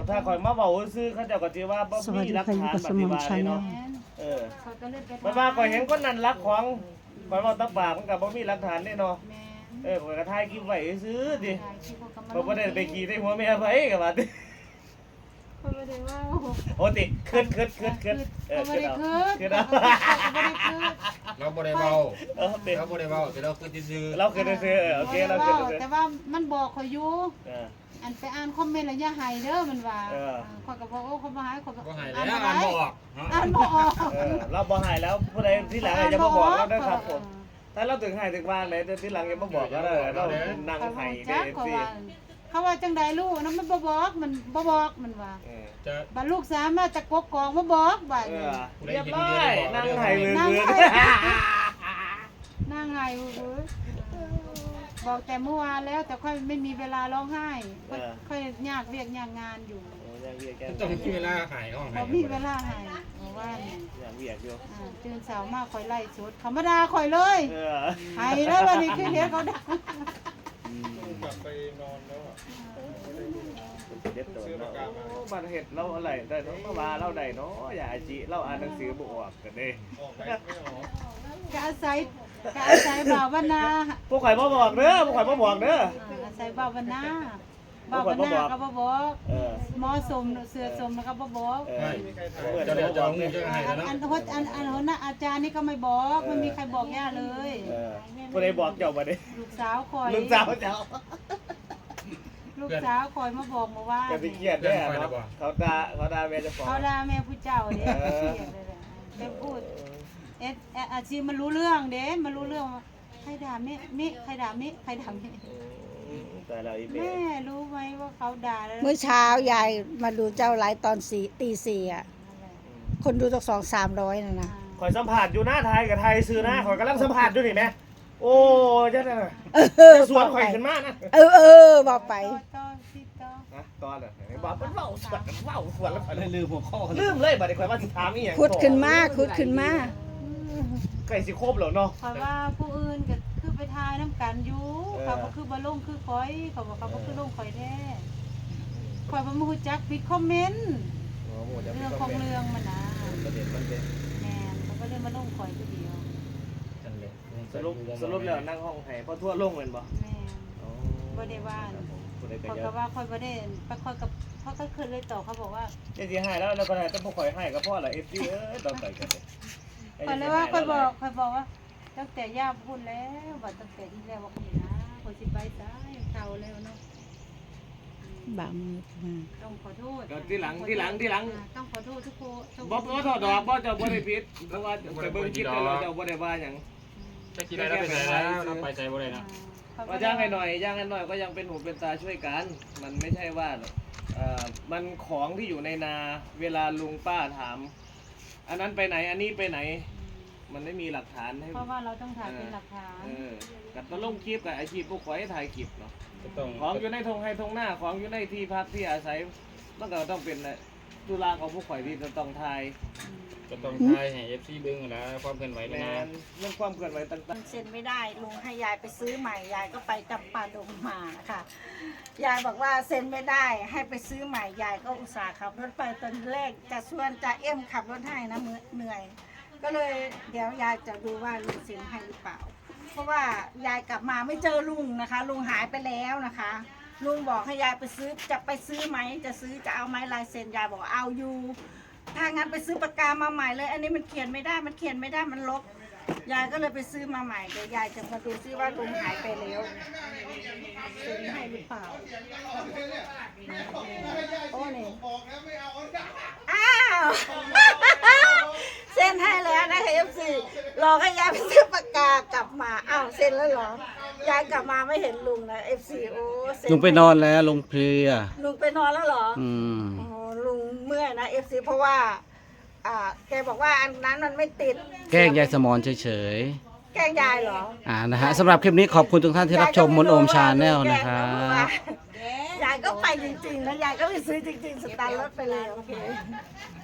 ถ้าข่อยมาเว้าซื่อเขาเจ้าก็สิว่าบ่สวัสมีดีหลักค่ะอยู่ฐานกับปสมฏิองบัติชาเลยแนเนาะลเขาก็เลยไปมันว่าข่อยเห็นคนนั้นรักของข่อยเว้าตะปากมันก็บ่มีหลักฐานแน่เนาะแม่นข่อยก็ถ่ายคลิปไว้ซื่อดิถ่ายคลิปเขาก็มาข่อยบ่ได้ไปขี่ใส่หัวแม่ไผก็ว่าติเขาไม่ได้ว่าโอ้ติขึ้นเอเขาไม่ได้ขึ้นคืเอานเขาไม่ได้คืนเราบ่ได้เว้าติเราบ่ได้เว้าแต่เราคือซื่อเราขึ้นซื่อโอเคเราขึ้นซื่อแต่ว่ามันบอกเขาอยู่เอออันไปอ่านคอมเมนต์แล้วอย่าให้เด้อมันว่าเออข้อยก็บอกโอ้เขาบ่ให้ข้อยก็บ่ให้อ่านแล้วบ่อ่านได้บ่ออกอ่านบ่ออกเราบ่ให้แล้วผู้ใดที่หลังจะมาบอกเราด้วยครับผมถ้าเราถึงให้ถึงว่างไหนแต่ที่หลังอย่ามาบอกก็ได้เรานั่งเขาให้จัเด้กอเขาสิว่าเขาว่าจังใดลูกนะมันบ่บอกมันบ่บอกมันว่าจะบัดลูกสาวมาจากกกอกมาบอกบัดเอนี้อเรียบร้อยนั่งให้มือนั่งมือให้นั่งไห้เว้ยบอกแต่เมื่อวานแล้วแต่ค่อยไม่มีเวลาร้องไห้ค่อยยากเรียกยากงานอยู่ยังเวียกแกต้องมีเวลาหายห้องพให้อมีเวลาไห้เมื่อวานนี่ยังเวียกอยู่ตื่นเช้ามาค่อยไล่สดธรรมดาค่อยเลยเออไห้แล้ววันนี้คือเห็นเขาดังกลับไปนอนแล้วอ่ะเด็ดตัวเนาะบัตรเห็ดเราอะไรได้เนาะมาว่าเราได้เนาะอย่าจิเราอ่านหนังสือบ่ออกกันเด้ออกไปไม่ออกกะอาศัยบ่าวนาพวกข่อยบ่บอกเด้อพวกข่อยบ่บอกเด้ออาศัยบ่าวนาบ่าวนาก็บ่บอกเออหมอสมเสือสมแล้วก็บ่บอกเออจะเดี๋ยวจะเอาเงินจะให้แล้วเนาะอันนะอาจารย์นี่ก็ไม่บอกไม่มีใครบอกย่าเลยเออผู้ใดบอกเจ้าบ่ได้ลูกสาวคอยลูกสาวเจ้าลูกสาวคอยมาบอกมาว่าอย่าไปเครียดเด้อเนาะเขาด่าแม่เจ้าของเขาด่าแม่ผู้เจ้าเด้เครียดเลยแหละแม่พูดอาชีพมันรู้เรื่องเด้มันรู้เรื่องว่าใครด่ามิใครด่ามิใครด่ามิแต่เราอีเบแม่รู้ไหมว่าเขาด่าแล้วเมื่อเช้ายายมาดูเจ้าไลฟ์ตอนตีสี่อ่ะ คนดูจาก200-300นะนะข่อยสัมผัสอยู่หน้าไทยกับไทยซื้อหน้าข่อยกำลังสัมผัสอยู่นี่แม่โอ้จังได๋สวนข่อยขึ้นมานะบอกไปต่อสิต่อนะตอนน่ะบอกมันเว้าสวนแล้วข่อยเลยลืมหัวข้อลืมเลยบัดนี้ข่อยว่าสิถามอีหยังขุดขึ้นมาใกล้สิครบแล้วเนาะเพราะว่าผู้อื่นก็คือไปทายน้ำกันอยู่เขาก็คือบ่ลงคือคอยเขาบอกเขาก็คือลงคอยแท้คอยบ่มาฮู้จักผิดคอมเมนต์เรื่องของเรื่องมันนะประเด็นมันเป็นแม่นเขาก็เลยมาลงคอยผู้เดียวสรุปแล้วนั่งห้องไห้พอทั่วลงแม่นบ่แม่นบ่ได้ว่าผู้ใดก็เขาเยก็อะว่าคอยบ่ได้ไปคอยกับเขาก็คืนเลยต่อเขาบอกว่าจะสิให้แล้วก็ได้แต่บ่ข่อยให้ก็พอละ FC ต้องไปกันเลยคอยเลยว่าคอยบอกว่าตั้งแต่ย่าพูดแล้วว่าตั้งแต่ที่แล้วว่าคนนะคนสิไปซ้ายเฒ่าแล้วเนาะบางมือมาต้องขอโทษที่หลังต้องขอโทษทุกคนบ่ถอดดอกบ่เจ้าบ่ได้ผิดเพราะว่าไปเบิ่งคลิปแล้วเจ้าบ่ได้ว่าหยังจะกินอะไรไปไหนแล้วเราไปใจบ่ได้นะว่าย่างให้หน่อยก็ยังเป็นหูเป็นตาช่วยกัน มันไม่ใช่ว่ามันของที่อยู่ในนาเวลาลุงป้าถาม อันนั้นไปไหนอันนี้ไปไหน มันไม่มีหลักฐานให้เพราะว่าเราต้องถ่ายเป็นหลักฐานกับตะลงคลิปกับอาชีพพวกข่อยถ่ายคลิปเนาะก็ต้องของอยู่ในทงให้ทงหน้าของอยู่ในที่พักที่อาศัยมันก็ต้องเป็นตุลาของพวกข่อยที่จะต้องถ่ายก็ต้องทายให้ FC เบิ่งแล้วความเคลื่อนไหวแมแล้วนะนเรื่องความเคลื่อนไหวต่างมันเซ็นไม่ได้ลุงให้ยายไปซื้อใหม่ยายก็ไปจำปาดงมาค่ะยายบอกว่าเซ็นไม่ได้ให้ไปซื้อใหม่ยายก็อุตส่าห์ขับรถไปตอนแรกจะชวนจะเอ็มขับรถให้นะเหนื่อย ก็เลยเดี๋ยวยายจะดูว่าลุงเซ็นให้หรือเปล่า เพราะว่ายายกลับมาไม่เจอลุงนะคะ ลุงหายไปแล้วนะคะ ลุงบอกให้ยายไปซื้อจะไปซื้อไหมจะเอาไหมลายเซ็นยายบอกเอาอยู่ถ้างั้นไปซื้อปากกามาใหม่เลย อันนี้มันเขียนไม่ได้มันลบ ยายก็เลยไปซื้อมาใหม่เดี๋ยวยายจะมาดูซิว่าลุงหายไปแล้วเซ็นให้หรือเปล่าโอ้นี่อ้าวเซ็นให้แล้วนะคะFCรอให้ยายไปซื้อปากกากลับมาอ้าวเซ็นแล้วเหรอยายกลับมาไม่เห็นลุงนะ FC โอ้เซ็ลุงไปนอนแล้วลุงเพลียลุงไปนอนแล้วเหรออืมโอ้ลุงเมื่อยนะ FC เพราะว่าแกบอกว่าอันนั้นมันไม่ติดแกล้งยายสมอนเฉยแกล้งยายเหรอๆนะฮะสำหรับคลิปนี้ขอบคุณทุกท่านที่รับชมมนโอมชาแนลนะครับยายก็ไปจริงๆนะยายก็ไปซื้อจริงๆสตาร์ทรถไปเลยโอเค